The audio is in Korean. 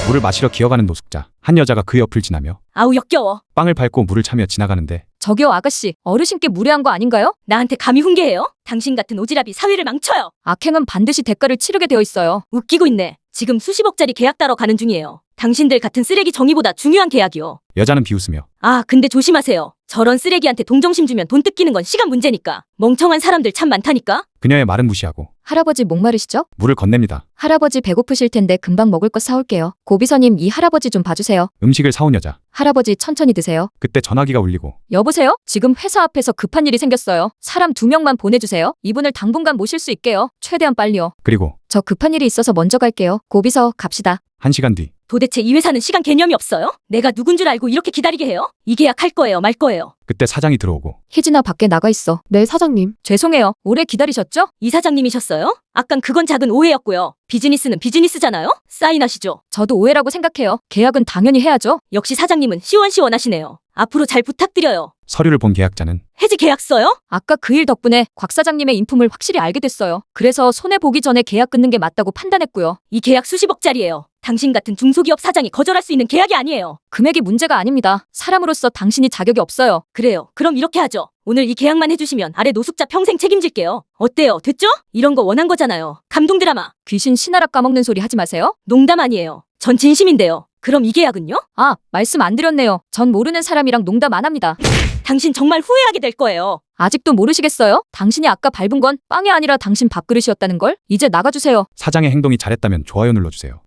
물을 마시러 기어가는 노숙자. 한 여자가 그 옆을 지나며 아우 역겨워. 빵을 밟고 물을 차며 지나가는데 저기요 아가씨, 어르신께 무례한 거 아닌가요? 나한테 감히 훈계해요? 당신 같은 오지랖이 사회를 망쳐요. 악행은 반드시 대가를 치르게 되어 있어요. 웃기고 있네. 지금 수십억짜리 계약 따러 가는 중이에요. 당신들 같은 쓰레기 정의보다 중요한 계약이요. 여자는 비웃으며 아, 근데 조심하세요. 저런 쓰레기한테 동정심 주면 돈 뜯기는 건 시간 문제니까. 멍청한 사람들 참 많다니까. 그녀의 말은 무시하고 할아버지 목마르시죠? 물을 건넵니다. 할아버지 배고프실 텐데 금방 먹을 거 사올게요. 고비서님, 이 할아버지 좀 봐주세요. 음식을 사온 여자. 할아버지 천천히 드세요. 그때 전화기가 울리고 여보세요? 지금 회사 앞에서 급한 일이 생겼어요. 사람 2명만 보내주세요. 이분을 당분간 모실 수 있게요. 최대한 빨리요. 그리고 저 급한 일이 있어서 먼저 갈게요. 고비서 갑시다. 1시간 뒤 도대체 이 회사는 시간 개념이 없어요? 내가 누군 줄 알고 이렇게 기다리게 해요? 이 계약 할 거예요, 말 거예요? 그때 사장이 들어오고 희진아, 밖에 나가 있어. 네, 사장님. 죄송해요. 오래 기다리셨죠? 이사장님이셨어요? 아깐 그건 작은 오해였고요. 비즈니스는 비즈니스잖아요? 사인하시죠. 저도 오해라고 생각해요. 계약은 당연히 해야죠. 역시 사장님은 시원시원하시네요. 앞으로 잘 부탁드려요. 서류를 본 계약자는 해지 계약서요? 아까 그 일 덕분에 곽 사장님의 인품을 확실히 알게 됐어요. 그래서 손해보기 전에 계약 끊는 게 맞다고 판단했고요. 이 계약 수십억짜리예요. 당신 같은 중소기업 사장이 거절할 수 있는 계약이 아니에요. 금액이 문제가 아닙니다. 사람으로서 당신이 자격이 없어요. 그래요. 그럼 이렇게 하죠. 오늘 이 계약만 해주시면 아래 노숙자 평생 책임질게요. 어때요? 됐죠? 이런 거 원한 거잖아요. 감동 드라마. 귀신 신하락 까먹는 소리 하지 마세요. 농담 아니에요. 전 진심인데요. 그럼 이 계약은요? 아, 말씀 안 드렸네요. 전 모르는 사람이랑 농담 안 합니다. 당신 정말 후회하게 될 거예요. 아직도 모르시겠어요? 당신이 아까 밟은 건 빵이 아니라 당신 밥그릇이었다는 걸? 이제 나가주세요. 사장의 행동이 잘했다면 좋아요 눌러주세요.